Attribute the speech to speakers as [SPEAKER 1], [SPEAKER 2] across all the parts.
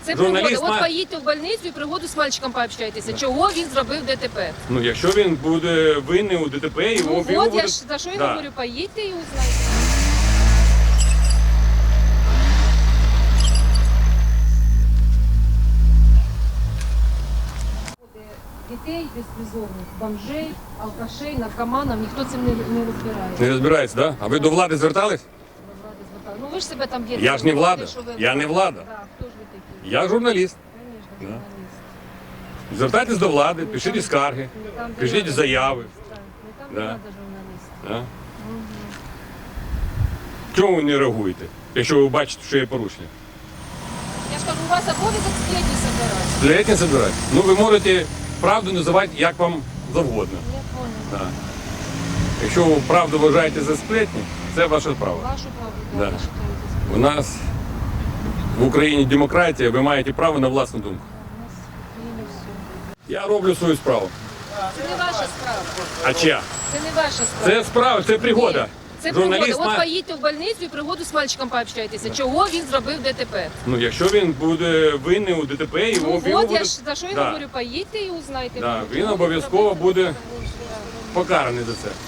[SPEAKER 1] Це пригода. От поїдьте в больницю і пригоду з мальчиком пообщайтеся. Чого він зробив ДТП?
[SPEAKER 2] Ну, якщо він буде винний у ДТП, його
[SPEAKER 1] Ну, от
[SPEAKER 2] буде...
[SPEAKER 1] я ж за що я говорю, поїдьте і узнайте. Дітей безпризовних, бомжей, алкашей, наркоманів, ніхто цим не розбирається.
[SPEAKER 2] Не розбирається, так? Да? А ви до влади звертались?
[SPEAKER 1] Ну ви ж себе там б'єте.
[SPEAKER 2] Я ж не влада. Я не влада.
[SPEAKER 1] Так, хто ж ви такі?
[SPEAKER 2] Я журналіст.
[SPEAKER 1] Звісно, журналіст.
[SPEAKER 2] Звертайтесь до влади, пишіть скарги,
[SPEAKER 1] Не там, де
[SPEAKER 2] пишіть
[SPEAKER 1] надо.
[SPEAKER 2] заяви.
[SPEAKER 1] Так, не там,
[SPEAKER 2] Да.
[SPEAKER 1] де надо журналіст.
[SPEAKER 2] Да? Чому ви не реагуєте, якщо ви бачите, що є порушення?
[SPEAKER 1] Я ж кажу, у вас обов'язок сплетні собирати.
[SPEAKER 2] Сплетні забирати? Ну, ви можете правду називати як вам завгодно.
[SPEAKER 1] Я понял.
[SPEAKER 2] Да. Якщо ви правду вважаєте за сплетні, це ваше право.
[SPEAKER 1] Вашу правду,
[SPEAKER 2] Да.
[SPEAKER 1] да. считаєте
[SPEAKER 2] У нас в Україні демократія, ви маєте право на власну думку.
[SPEAKER 1] у нас в Києві все.
[SPEAKER 2] Я роблю свою справу.
[SPEAKER 1] Це не ваша справа.
[SPEAKER 2] А чия?
[SPEAKER 1] Це не ваша справа.
[SPEAKER 2] Це справа, це пригода.
[SPEAKER 1] Це
[SPEAKER 2] Журналіст
[SPEAKER 1] пригода. От
[SPEAKER 2] має-
[SPEAKER 1] поїдьте в больницю і пригоду з мальчиком пообщайтеся. Чого він зробив ДТП?
[SPEAKER 2] Ну, якщо він буде винний у ДТП, його
[SPEAKER 1] Ну,
[SPEAKER 2] його
[SPEAKER 1] от
[SPEAKER 2] буде...
[SPEAKER 1] я ж за що я
[SPEAKER 2] Да.
[SPEAKER 1] говорю, поїдьте і узнайте.
[SPEAKER 2] Да,
[SPEAKER 1] Чого
[SPEAKER 2] він обов'язково
[SPEAKER 1] зробив
[SPEAKER 2] буде
[SPEAKER 1] ДТП?
[SPEAKER 2] покараний за це.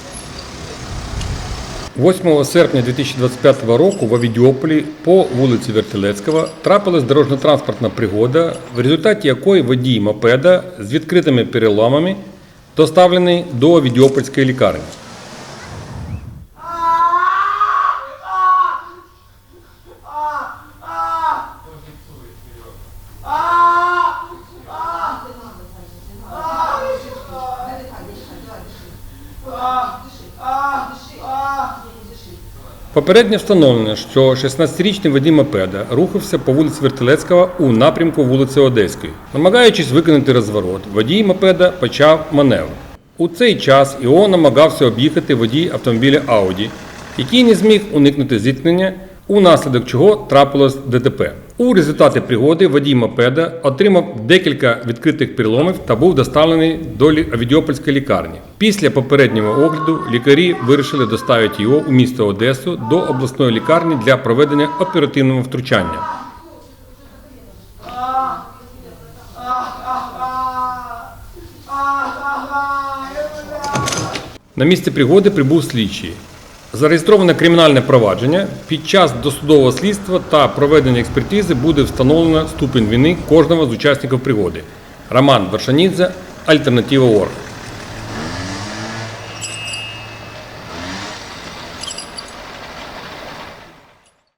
[SPEAKER 3] 8 серпня 2025 року в Авідіополі по вулиці Вертилецького трапилась дорожньо-транспортна пригода, в результаті якої водій мопеда з відкритими переламами доставлений до Авідіопольської лікарні. Попередньо встановлено, що 16-річний водій мопеда рухався по вулиці Вертилецького у напрямку вулиці Одеської. Намагаючись виконати розворот, водій мопеда почав маневр. У цей час його намагався об'їхати водій автомобіля Ауді, який не зміг уникнути зіткнення, унаслідок чого трапилось ДТП. У результаті пригоди водій мопеда отримав декілька відкритих переломів та був доставлений до Авідіопольської лікарні. Після попереднього огляду лікарі вирішили доставити його у місто Одесу до обласної лікарні для проведення оперативного втручання. На місце пригоди прибув слідчий. Зареєстроване кримінальне провадження. Під час досудового слідства та проведення експертизи буде встановлено ступінь вини кожного з учасників пригоди. Роман Вершанідзе, Альтернатива.орг.